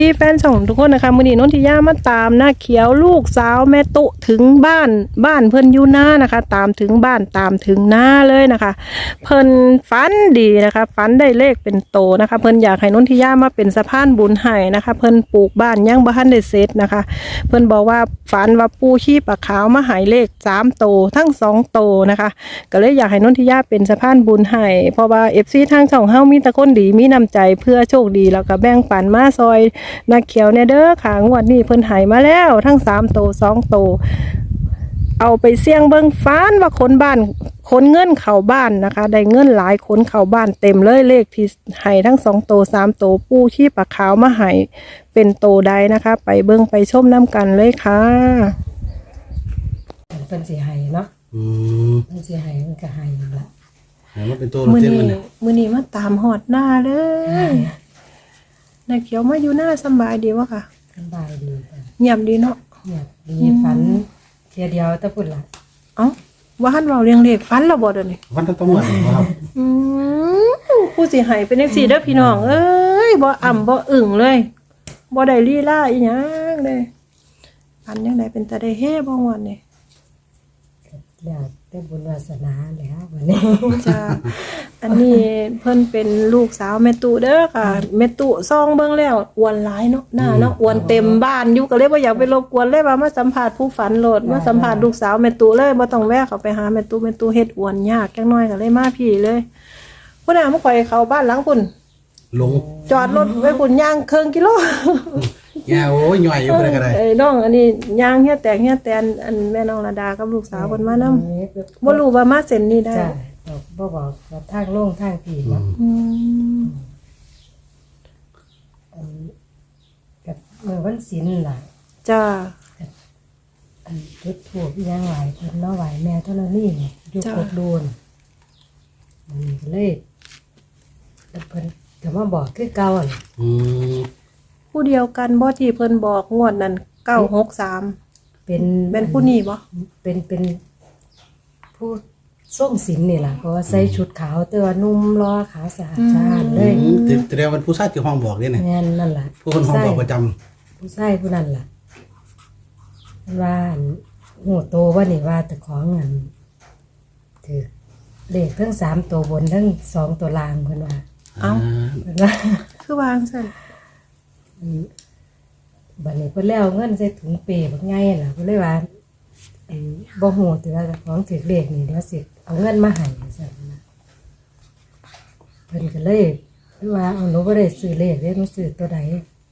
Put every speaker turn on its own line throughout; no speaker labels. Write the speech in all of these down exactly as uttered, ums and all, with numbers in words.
ที่แฟนช่องทุกคนนะคะมื้อนี้นนทิยามาตามหน้าเขียวลูกสาวแม่ตุถึงบ้านบ้านเพิ่นอยู่หน้านะคะตามถึงบ้านตามถึงหน้าเลยนะคะเพิ่นฝันดีนะคะฝันได้เลขเป็นโตนะคะเพิ่นอยากให้นนทิยามาเป็นสะพานบุญให้นะคะเพิ่นปลูกบ้านยังบ่ทันได้เสร็จนะคะเพิ่นบอกว่าฝันว่าปูขี้ปลาขาวมาให้เลขสามโตทั้งสองโตนะคะก็เลยอยากให้นนทิยาเป็นสะพานบุญให้เพราะว่า เอฟ ซี ทางช่องเฮามีแต่คนดีมีน้ำใจเพื่อโชคดีแล้วก็แบ่งปันมาซอยนักเขียวเนี่ยเด้อค่ะงวดนี้เพิ่นใหายมาแล้วทั้งสามโตสองโตเอาไปเสี่ยงเบิ่งฟ้านว่าคนบ้านคนเงินเข้าบ้านนะคะได้เงินหลายคนเข้าบ้านเต็มเลยเลขที่ให้ทั้งสองโตสามโตปูขี้ปลาขาวมาให้เป็นโตใดนะคะไปเบิ่งไปชมน้ำกันเลยค่ะ
เป็นสีไห้เนาะ
อืม
เป็นสีไห้มันก็ไห้ละ
หาว่าเป็นตัว
มื้อ
เต้น
นี้
มันเนี่ย
มื้อนี้มาตามหอดหน้าเลยนักเขียวมาอยู่หน้าสบายดีวะค่ะ
สบายดีจ้ะ
เงียบดีเนาะ
เงียบดีฝันเทียเดียวตะพุ่นละ
เอ้าว่าหันเราเรียงเลขฟันเราบ่เดี๋ยวนี้
วันทั้งต้องหมดครับ
อืมผู้สิให้เป็นจังซี่เด้อพี่น้องเอ้ยบ่อ่ำบ่อึ่งเลยบ่ได้ลีลาอีหยังเลยฟันจังไดเป็นตาได้เฮบ่งวันนี่
แล้วแต่บุญวาสนาแล้ววันนี้
จ้าอันนี้เพิ่นเป็นลูกสาวแม่ตุเด้อค่ะแม่ตุซองเบิ่งแล้วอ้วนหลายเนาะหน้าเนาะอ้วนเต็มบ้านอยู่ก็เลยบ่อยากไปรบกวนเลยว่ามาสัมภาษณ์ผู้ฝันโลดมาสัมภาษณ์ลูกสาวแม่ตุเลยบ่ต้องแวะเข้าไปหาแม่ตุแม่ตุเฮ็ดอ้วนยากจังน้อยก็เลยมาพี่เลยพุ่นน่ะมาข่อยเข้าบ้านหลังพุ่น
ลง
จอดรถไว้พุ่นย่างครึ่งกิโล
แง่โอ้ยหน่อยอยู่บ่ได้ก็ได้
เอ้ยน้องอันนี้ย่างเฮียแตกเฮียแตนอันแม่น้องระดากับลูกสาวเพิ่นมานำบ่รู้ว่ามาเส้นนี้ได้
จ้ะบ่บอกว่าทางโล่งทางผีเนาะ
อืม
อันกับเมื่อวันศีลล่ะ
จ้า
อันจุดธูปอีหยังหลายเพิ่นเนาะไหวแม่เท่านั้นนี่อยู่กดโดนมันก็เลยแล้วเพิ่นก็มาบอกคือเก่าอ่ะ
อืม
ผู้เดียวกันบ่ที่เพิ่นบอกงวดนั้นเก้าหกสาม
เป็น
เป็นผู้นี้บ่
เป็นเป็นผู้ส่งศีลนี่ล่ะเพราะว่าใส่ชุดขาวแต่ว่านุ่มรอขาวสะอาดสะอาดเลย
แต่แล้วมันผู้ชายที่ห้องบอกนี่เนี่ย
งั้นนั่นล่ะ
ผู้คนห้องบอกประจำ
ผู้ชายผู้นั้นล่ะว่าหูโตว่านี่ว่าแต่ของเงินถือเลขทั้งสามตัวบนทั้งสองตัวล่างเพิ่นว่า
เอ้า
เพิ่นว่า
คือวางซั่น
บัดนี้เพิ่นแล้วเงินใส่ถุงเปบักใหญ่ล่ะเพิ่นเลยว่าไอ้บ่ฮู้แต่ว่าของถือเลขนี่เดี๋ยวสิเอาเงินมาให้ซั่นนะเพิ่นก็เลยว่าเอาหนูบ่ได้ซื้อเลขเด้หนูซื้อตัวใด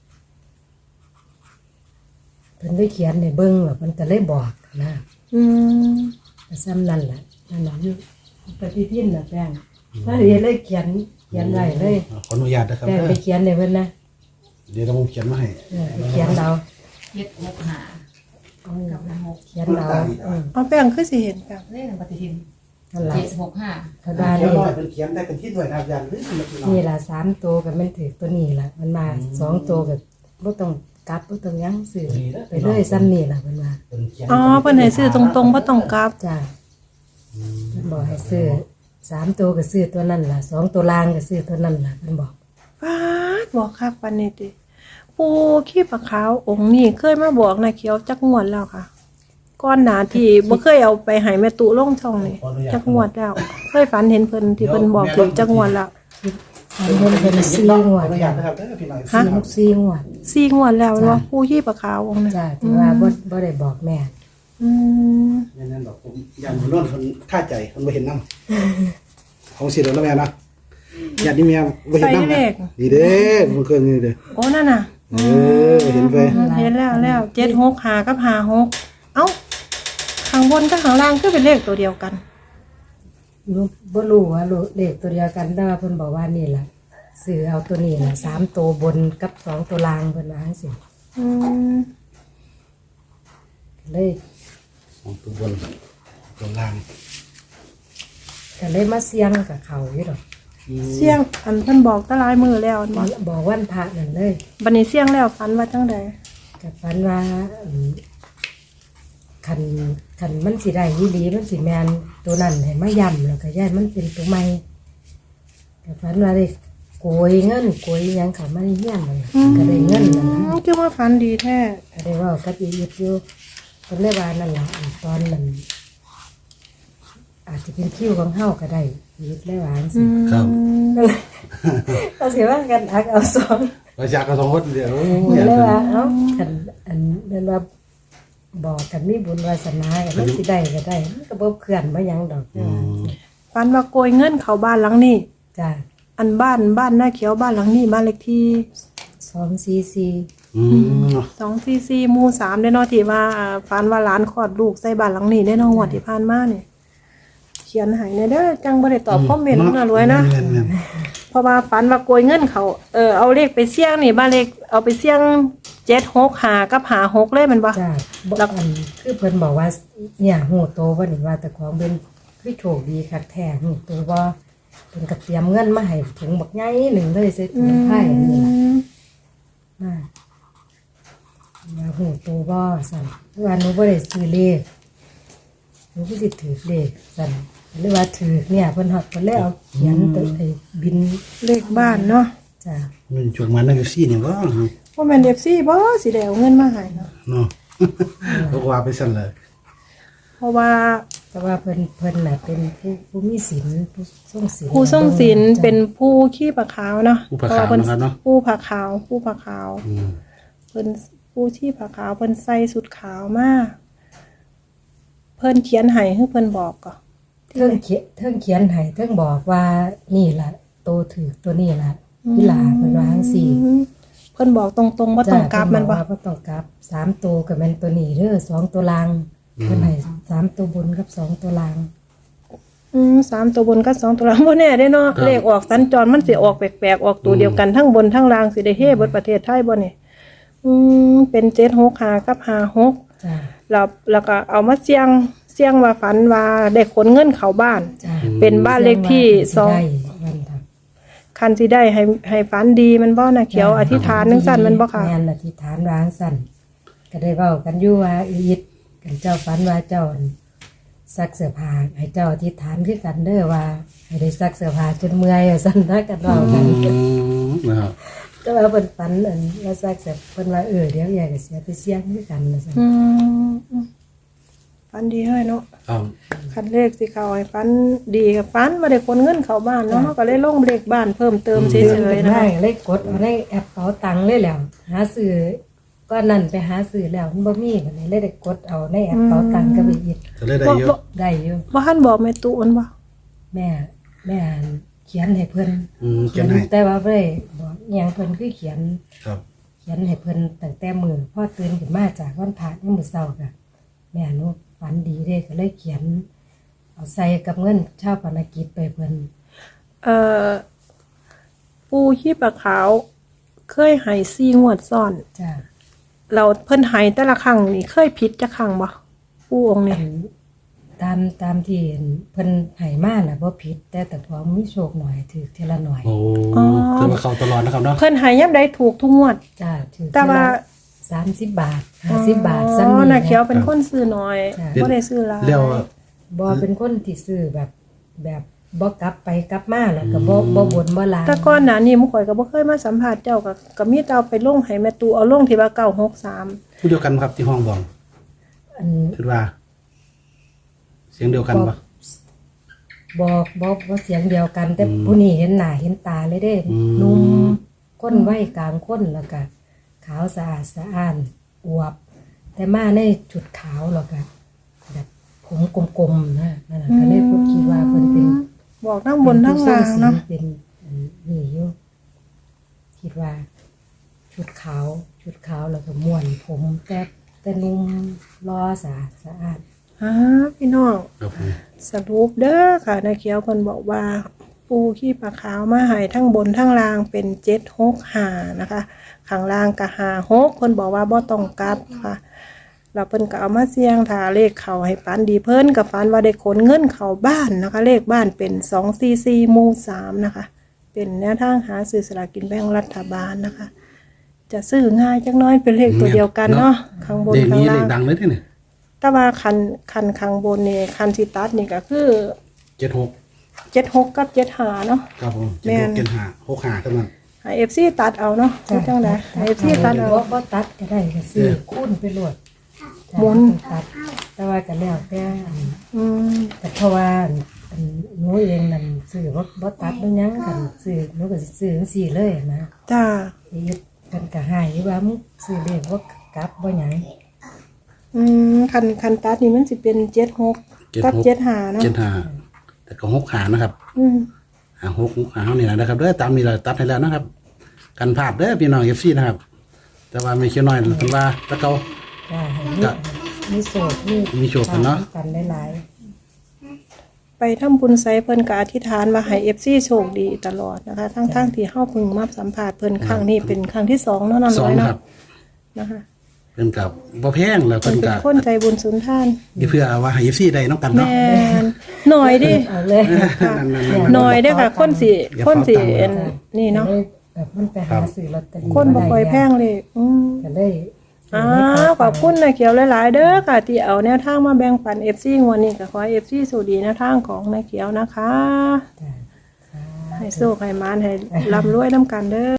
เพิ่นได้เขียนให้เบิ่งแล้วเพิ่นก็เลยบอกนะ
อืม
ก็ซ้ำนั่นล่ะนั่นล่ะอยู่ปฏิทินน่ะแป้งถ้าเรียนเลยเขียนเขียนไว้เลย
ขออนุญาตนะครับ
แป้งไปเขียนให้เพิ่นนะ
เดี๋ยวผมเขียนมาให้
เออเขียนเรา
เฮ็ดหกหากับหก
เขียนเราอือ
เอาแป้งคือสิเห็นแป้ง
เลขปฏิทิน
นั่นล่ะ
เจ็ดหกห้า
ธรรมดานี่
เป็นเขียนได้เป็นที่ด้วยอาจารย์หรือ
นี่ล่ะสามตัวก็มันถือตัวนี้ล่ะมันมาสองตัวก็บ่ต้องกลับบ่ต้องหยังซื้อไปเลยซ้ำนี่ล่ะเพิ่นว่า
อ๋อเพิ่นให้ซื้อตรงๆบ่ต้องกลับ
จ้ะเพิ่นบอกให้ซื้อสามตัวก็ซื้อตัวนั้นล่ะสองตัวล่างก็ซื้อตัวนั้นล่ะเพิ่นบอก
ฟาดบอกคักปานนี้ติปู่ขี้ปลาขาวองค์นี้เคยมาบอกนะเขียวจักงวดแล้วค่ะก่อนหน้าที่บ่เคยเอาไปให้แม่ตุลงช่องนี่จักงวดแล้วเคยฝันเห็นเพิ่นที่เพิ่นบอกถึงจักงวดแล้ว
มันเพิ่นเป็นสี่งวดจ้ะฮะสี่งวด
สี่งวดแล้วว่าปู่ขี้ปลาขาวองค์นี้
จ้ะที่ว่าบ่บ่ได้บอกแม่
อืม
นั่นดอกผมยันบ่นอนเพิ่นท่าใจเพิ่นบ่เห็นนำของสิแล้วแม่นะยันนี่แม่บ่เห็นนำนี่เด้มันเคยนี่เด้อ
โอ้นั่นน่ะ
เออเห็นไป
เห็นแล้วแล้วเจ็ดหกห้ากับห้าหกเอ้าข้างบนกับข้างล่างก็เป็นเลขตัวเดียวกัน
บ่รู้ว่าเลขตัวเดียวกันแต่ว่าเพิ่นบอกว่านี่ล่ะซื้อเอาตัวนี้ล่ะสามตัวบนกับสองตัวล่างเพิ่นว่าจังซี่
อืม
เลย
สองตัวบนตัวล่าง
ก็เลยมาเสี่ยงกับเขาอยู่ดอก
เสี่ยงอันเพิ่นบอกตะลายมือแล้ว
บอกบอกวันพระนั่นเลย
บัดนี้เสี่ยงแล้วฝันว่าจังใด
ก็ฝันว่าคันคันมันสิได้อีหลีมันสิแม่นตัวนั้นให้มาย่ำแล้วก็ย้ายมันเป็นตัวใหม่ก็ฝันว่าได้โกยเงินโกยหยังเขามาในเฮียนนั่นล่ะก็ได้เงินนั่นล่ะ
คือว่าฝันดีแท้
ก็ได้เว่ากับอียิปต์อยู่เพิ่นเลยว่านั่นล่ะอันตอนนั้นอาจจะเป็นคิวของเฮาก็ได้อียิปต์เลยว่าจังซี่
ครับ
ก็สิว่ากันอักเอาสอง
ประชากรสองคนเดียว
เพิ่นเลยว่าเอ้าคันอันนั้นว่าบอกกันมีบุญวาสนากันมันสิได้ก็ได้มันก็บ่เคลื่อนบ่หยังดอกเด้อ
ฝันว่าโกยเงินเขาบ้านหลังนี้
จ้ะ
อันบ้านบ้านหน้าเขียวบ้านหลังนี้บ้านเลขที่
สองสี่สี่
อืม
สองสี่สี่หมู่สามได้เนาะที่ว่าอ่าฝันว่าหลานคลอดลูกใส่บ้านหลังนี้ได้เนาะงวดที่ผ่านมาเนี่ยเขียนให้ในเด้อจังบ่ได้ตอบคอมเมนต์น่ารวยนะ
แม่น
เพราะว่าฝันว่าโกยเงินเขาเออเอาเลขไปเสี่ยงนี่บ้านเลขเอาไปเสี่ยงเจ็ดหกหากับหาหกเลยแมันบ่
จ้ะบ่อันคือเพิ่นบอกว่าเนี่ยฮู้โตบ่นี่ว่าแต่ของเป็นคือโชคดีคักแท้ฮู้โตบ่เพิ่นก็เตรียมเงินมาให้ถุงบักใหญ่หนึงเลยใส่ถุงไผ่นี่ล่ะ มาว่าหูตัวบ่สั่นว่าหนูบ่ได้ซื้อเลขหนูก็สิถือเลขสั่นหรือว่าถือเนี่ยเพิ่นฮอดเพิ่นเลยเอาเขียนตัวไอ้บิน
เลขบ้านเนาะ
จ้ะ
มันจุกมานั่งอยู่ซี่นี่บ่
ว่าแม่น เอฟ ซี บ่สิได้เอาเงินมาให้เนาะ
เนาะก็ว่าไปสั่นเลย
เพราะว่า
แต่ว่าเพิ่นเพิ่นน่ะเป็นผู้ผู้มีศีลผู้ทรงศีล
ผู้ทรงศีลเป็นผู้ขี้ปลาขาวเนาะ
ผู้ประคาวนะครับเนาะ
ผู้ผาขาว ผู้ผาขาว
อืม
เพิ่นผู้ที่ผาขาวเพิ่นใส่สุดขาวมาเพิ่นเขียนให้คือเพิ่นบอกก็
เทิงเขียนเทิงเขียนให้เทิงบอกว่านี่ล่ะโตถือตัวนี้ล่ะอีหลาเพิ่นว่าจังซี่
อืมเพิ่นบอกตรงๆว่าต้องกลับมันบ่
จ้ะเพิ่นบอกว่าบ่ต้องกลับสามตัวก็แม่นตัวนี้เด้อสองตัวล่างเพิ่นให้สามตัวบนกับสองตัวล่าง
อืมสามตัวบนกับสองตัวล่างบ่แน่เด้เนาะเลขออกสัญจรมันสิออกแปลกๆออกตัวเดียวกันทั้งบนทั้งล่างสิได้เฮ้เบิดประเทศไทยบ่นี่อืมเป็นเจ็ดหกห้ากับห้าหก
จ้ะ
แล้วแล้วก็เอามาเสี่ยงเสี่ยงว่าฝันว่าได้ขนเงินเข้าบ้าน
จ้ะ
เป็นบ้านเลขที่สอง
ได้วันทำ
คันสิได้ให้ให้ฝันดีมันบ่นะเขียวอธิษฐานจังซั่นมันบ่ค่ะ
แม่นอธิษฐานวางสั่นก็ได้เว้ากันอยู่ว่าอียิดกันเจ้าฝันว่าเจ้าซักเสื้อผ้าให้เจ้าอธิษฐานคือกันเด้อว่าให้ได้ซักเสื้อผ้าจนเมื่อยว่าซั่นนะกันเว้ากัน
อืมนะครับ
ก็ว่าเพิ่นฝันอันว่าซักเสื้อเพิ่นว่าเออเดี๋ยวอยากจะเสียไปเสี่ยงคือกันว่าซั่น
อืมฝันดีเฮ้ยเนาะ
ครับ
คันเลขสิเข้าให้ฝันดีกับฝันบ่ได้ขนเงินเข้าบ้านเนาะเราก็เลยลงเลขบ้านเพิ่มเติมเฉ
เพิ่น
ย
เป็น
ๆนะ
ได้
คะ
เลยกดเอาในแอปเป๋าตังค์เลยแหล้วหาซื้อก็นั่นไปหาซื้อแล้วมันบ่มีบัดนี้เลยได้กดเอาในแอปเป๋าตังค์ก็ไปอีก
จะเลยได้
บ่
เย
บ่
อะ
ได้อยู่
บ่ทันบอกแม่ตุมันบ่
แม่แม่เขียนให้เพิ่น
อืมเขียนให้
แต่ว่าบ่ได้บอกอหยังเพิ่นคือเขียน
ครับ
เขียนให้เพิ่นตั้งแต่มื้อพอตื่นขึ้นมาจากวันพระยามมื้อเช้าก็แม่หนูฝันดีเด้ก็เลยเขียน เอาใส่กับเงินชาวปนกิจไปเพิ่น
เอ่อปูขี้ปลาขาวเคยให้สี่งวดซ้อน
จ้า
เราเพิ่นให้แต่ละครั้งนี่เคยผิดจักครั้งบ่ปูองค์นี่
ตามตามที่เห็นเพิ่นให้มาน่ะบ่ผิด แต่แต่พอมีโชคหน่อยถือเทอละหน่อย
โอ้คือมาเข้าตลอดนะครับเนาะ
เพิ่นให้ยามใดถูกทุกงวด
จ้าถือ
แต่ว่า
สามสิบบาทห้าสิบบาท
อ๋
ซ้ำ
อ
นี่
น่ะเขียว
นะ
เป็นคนซื้อน้อย
จ้ะ
บ่ได้ซื้อหลาย
แล้ว
บ่เป็นคนที่ซื้อแบบแบบบ่กลับไปกลับมาแล้วก็บ่บ่บ่นบ่ลา
แต่ก่อนหน้านี้หมู่ข่อยก็บ่เคยมาสัมภาษณ์เจ้าก็ก็มีแต่เอาไปลงให้แม่ตูเอาลงที่ว่าเก้าหกสาม
ผู้เดียวกันครับที่ห้องบอก
อัน
คิดว่า เสียงเดียวกันปะ
บ่บ่บ่เสียงเดียวกัน แต่
อืม
ผู้นี้เห็นหน้าเห็นตาเลยเด้
อืม
หนุ่มก้นไว้กลางคนแล้วก็ขาวสะอาดสะอ้านอวบ แต่มาในชุดขาวแล้วก็แบบผมกลมๆนะนั่นน่ะก็เลยพูดคิดว่าเพิ่นเป็น
บอกทั้งบนทั้งล่างเนาะ
เป็นอันนี่อยู่คิดว่า ชุดขาว ชุดขาวแล้วก็ม่วนผมแต่แต่นุ่มรอสะอาดสะอาด
อ่าพี่น้อง
ครับผม
สรุปเด้อค่ะนายเขียวเพิ่นบอกว่า ปูขี้ปลาขาวมาให้ทั้งบนทั้งล่างเป็นเจ็ดหกห้านะคะข้างล่างก็ห้าหกเพิ่นบอกว่าบ่ต้องกลับค่ะแล้วเพิ่นก็เอามาเสี่ยงถ้าเลขเข้าให้ฝันดีเพิ่นก็ฝันว่าได้ขนเงินเข้าบ้านนะคะ เลขบ้านเป็นสองสี่สี่หมู่สามนะคะ เป็นแนวทางหาซื้อสลากกินแบ่งรัฐบาลนะคะ จะซื้อง่ายจักหน้อยเป็นเลขตัวเดียวกันเนาะข้างบน
เลข
ข้าง
นี้เล
ล่า
ข
ง
ดังเลยที่เนี่ย
แต่ว่าคันคันข้างบนนี่คันสิตัดนี่ก็คือ
เจ็ดหก
เจ็ดหกกับเจ็ดหาเนาะ
ครับผม
แม่
เจ็ดห
น
กเจ็ดห้าหกห้าเท่านั้น
ให้เอฟซีตัดเอาเนาะคือจังไดให้เอฟซีตัดเอา
บ่บ่ตัดก็ได้ก็ซื้อคูณไปโลด
หมุน
ตัด แต่ว่าก็แล้วแต่อัน
อืม
แต่เพราะว่าอันหนูเองนั่นซื้อบ่บ่ตัดบ่หยังกันซื้อหนูก็สิซื้อจังซี่เลยนะ
จ้า
อีกกันก็ให้อยู่ว่ามึงซื้อเลขบ่กลับบ่หยัง
อืมคันคันตัดนี่มันสิเป็นเจ็ดหกกับเจ็ดหาเนาะ
เจ็ดห้าแต่ก็หกหานะครับ
อืม
หาหกหาเท่านี้แหละนะครับเด้อตามนี้เราตัดให้แล้วนะครับ กันพลาดเด้อพี่น้องเอฟซีนะครับ แต่ว่าไม่เคี้ยวน้อยเพิ่นว่าตะเกา
จ้าให้
ก็
มีมีโสดมี
มีโชคกันเนาะ
กันหลาย
ไปทำบุญไซเพิ่นก็อธิษฐานว่าให้ เอฟ ซี โชคดีตลอดนะคะ ทั้งๆที่เฮาเพิ่งมาสัมภาษณ์เพิ่นครั้งนี้เป็นครั้งที่สองเนาะนั่น
สอ
เล
ง
ย
ค
เนาะ
รับ
นะคะ
เพิ่นกับบ่แพงแล้ว
เพิ่
เพิ่
น
น
เป็น
ก็
คนใจบุญสุนทาน
เพื่อว่าให้เอฟซีได้น้องกัน
แม
เนาะ
นหน่อยดิ
ๆเอาเลย
ค่ะ
นั่นๆๆ
หน่อยเด้อค่ะ คนสิคนสิเอ็นนี่เนาะ
ก็ลยแบบมันไปหาซื้อลอตเตอรี่
คนบ่ค่อยแพงเลยอืม
ก็เลย
อ้าวขอบคุณนะเขียวหลายๆเด้อค่ะที่เอาแนวทางมาแบ่งปัน เอฟ ซี งวดนี้ก็ขอให้ เอฟ ซี สวัสดีแนวทางของนายเขียวนะคะ
จ้ะ
ให้โชคให้มานให้ร่ำรวยนํกันเด้อ